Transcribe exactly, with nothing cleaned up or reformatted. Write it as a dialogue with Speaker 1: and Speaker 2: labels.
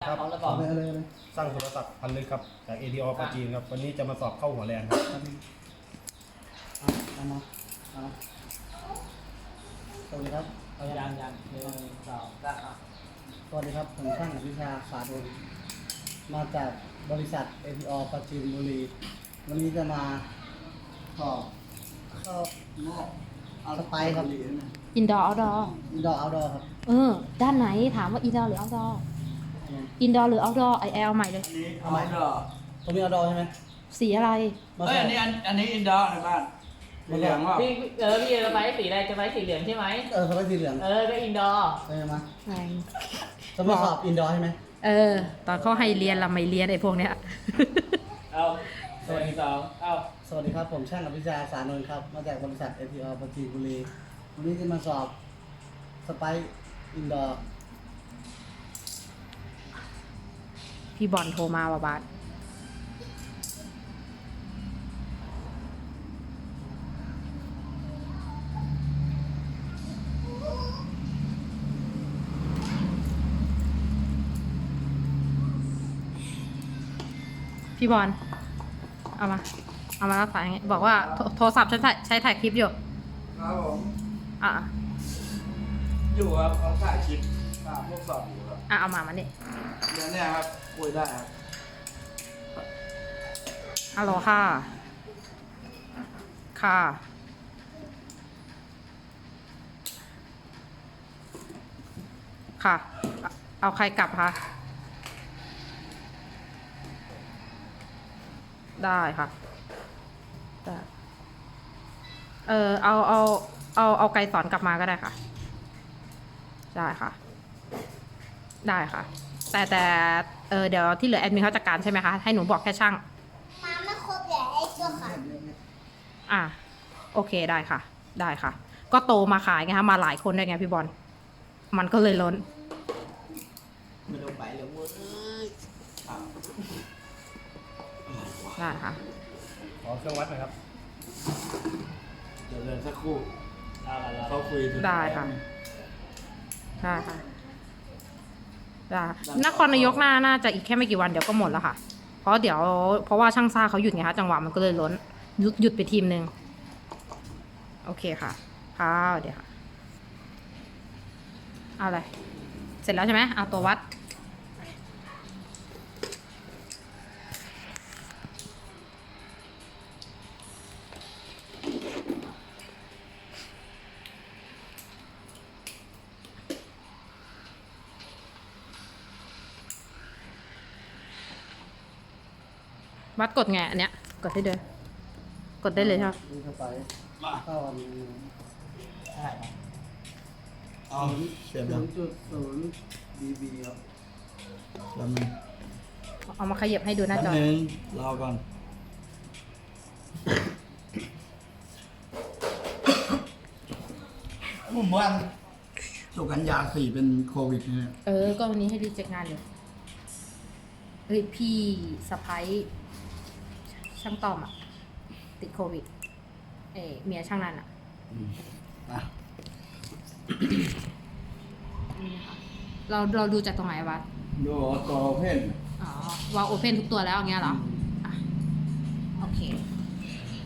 Speaker 1: ครับ
Speaker 2: พร้อมแล้วบอก
Speaker 3: เลยเลยเลย
Speaker 1: สร้างโทรศัพท์พันลึกครับจาก เอ ดี อ ปาจีนครับวันนี้จะมาสอบเข้าหัวแรงครับ
Speaker 3: เอาเอามาเอามาสวัสดีครับเอา
Speaker 2: ยั
Speaker 3: ยัง ง
Speaker 2: ยังหนึ่งสองสามอ่ะ
Speaker 3: สวัสดีครับผมช่างอภิชาสาดนมาจากบริษัท เอ ที โอ ปราจีนบุรีวันนี้จะมาสอบเข้านอกเอาสไปร์ครับ
Speaker 4: อินดอร์เอาดอ
Speaker 3: อินดอร์เอาดอร์ครับ
Speaker 4: เออ ด้านไหนถามว่าอินดอร์หรือเอาดออินดอร์หรือเอาดอไอแอลใหม่เลย
Speaker 3: เอาไหมตรงนี้เอาดอร์ใช่ไหม
Speaker 4: สีอะไร
Speaker 3: มา
Speaker 5: เอ้ย
Speaker 3: ใส่
Speaker 5: อันนี้อันอันนี้อินดอร์ในบ้านมีเหลืองว่า
Speaker 2: พี่เออพี่จะไปสีอะไรจะไปสีเหลืองใช่ไหม
Speaker 3: เออสไปร์สีเหลือง
Speaker 2: เออก็อินดอร์
Speaker 3: เออมา
Speaker 4: แรง
Speaker 3: จะมาสอบอินดอร์ใช่ไหม
Speaker 4: เออ ตอนเขาให้เรียนเราไม่เรียนไอ้พวกเนี้ย
Speaker 2: เอาหนึ่งสองเอา
Speaker 3: สวัสดีครับผมช่างอภิชาสานนท์ครับมาจากบริษัท เอ ที โอ ปราจีนบุรีวันนี้จะมาสอบสไปร์อินดอร์
Speaker 4: พี่บอลโทรมาว่าบาสพี่บอลเอามา เอามารับสายอย่างงี้บอกว่าโทรโทรศัพท์ใช้ถ่ายใช้ถ่ายคลิปอยู่
Speaker 5: ครับผม
Speaker 4: อ่ะ
Speaker 5: อยู่ครับเขาถ่ายคลิปตามพวกสอบอยู่ครับ
Speaker 4: อ่ะเอามามานี่
Speaker 5: เดี๋ยวเนี่ยครับคุยได้ครับ
Speaker 4: ฮัลโหลค่ะ ค่ะ ค่ะ เอาใครกลับคะ ได้ค่ะ ได้ เออเอาเอาเอาเอาไกรสอนกลับมาก็ได้ค่ะ ได้ค่ะ ได้ค่ะ แต่แต่เออเดี๋ยวที่เหลือแอดมินเขาจัดการใช่ไหมคะ ให้หนูบอกแค่ช่าง
Speaker 6: มาไม่ครบเลยไอ้ตัวค่ะ
Speaker 4: อ่ะโอเคได้ค่ะ ได้ค่ะ ก็โตมาขายไงคะมาหลายคนด้วยไงพี่บอลมันก็เลยล้น
Speaker 5: ไม่ต้องไปเลยเว้ยอ่ะ
Speaker 4: ได้ค่ะ
Speaker 1: ขอเครื่องวัดหน่อยครับ
Speaker 5: เดี๋ยวเดินสักครู่
Speaker 2: เอาละเรา
Speaker 5: เขาคุยถึง
Speaker 4: ได้ค่ะ ได้ค่ะได้นครนายกน่าน่าจะอีกแค่ไม่กี่วันเดี๋ยวก็หมดแล้วค่ะ เพราะเดี๋ยวเพราะว่าช่างซ่าเขาหยุดไงคะจังหวะมันก็เลยล้นหยุดหยุดไปทีมหนึ่งโอเคค่ะค่ะเดี๋ยวค่ะเอาอะไรเสร็จแล้วใช่ไหมเอาตัววัดวัดกดไงอันเนี้ยกดได้เลยกดได้เลยใช่ไหม
Speaker 3: นี่สไปร์
Speaker 5: มา
Speaker 3: เข้าอันนี้
Speaker 5: เอาเสียบ
Speaker 3: ศู
Speaker 5: ยัง
Speaker 3: นย์จุดศูนย์ดีบีครับ
Speaker 5: แป๊บนึง
Speaker 4: เอามาขยับให้ดูหน้า
Speaker 5: แป๊บ
Speaker 4: จอ
Speaker 5: นึงรอก่อนผมว่าสุกัญญาสี่เป็นโควิดเนี่ย
Speaker 4: เออ ก็วันนี้ให้รีเจ็คงานอยู่เฮ้ยพี่สะพ้ายช่างต้อมอะติดโควิด เออเมียช่างนันอะ
Speaker 5: อ่ะ
Speaker 4: นี่นะคะเราเราดูจากตรงไหนวะ
Speaker 5: ดูตัวเพน
Speaker 4: อ๋อวางโอเพนทุกตัวแล้วอย่างเงี้ยเหรออ่ะโอเค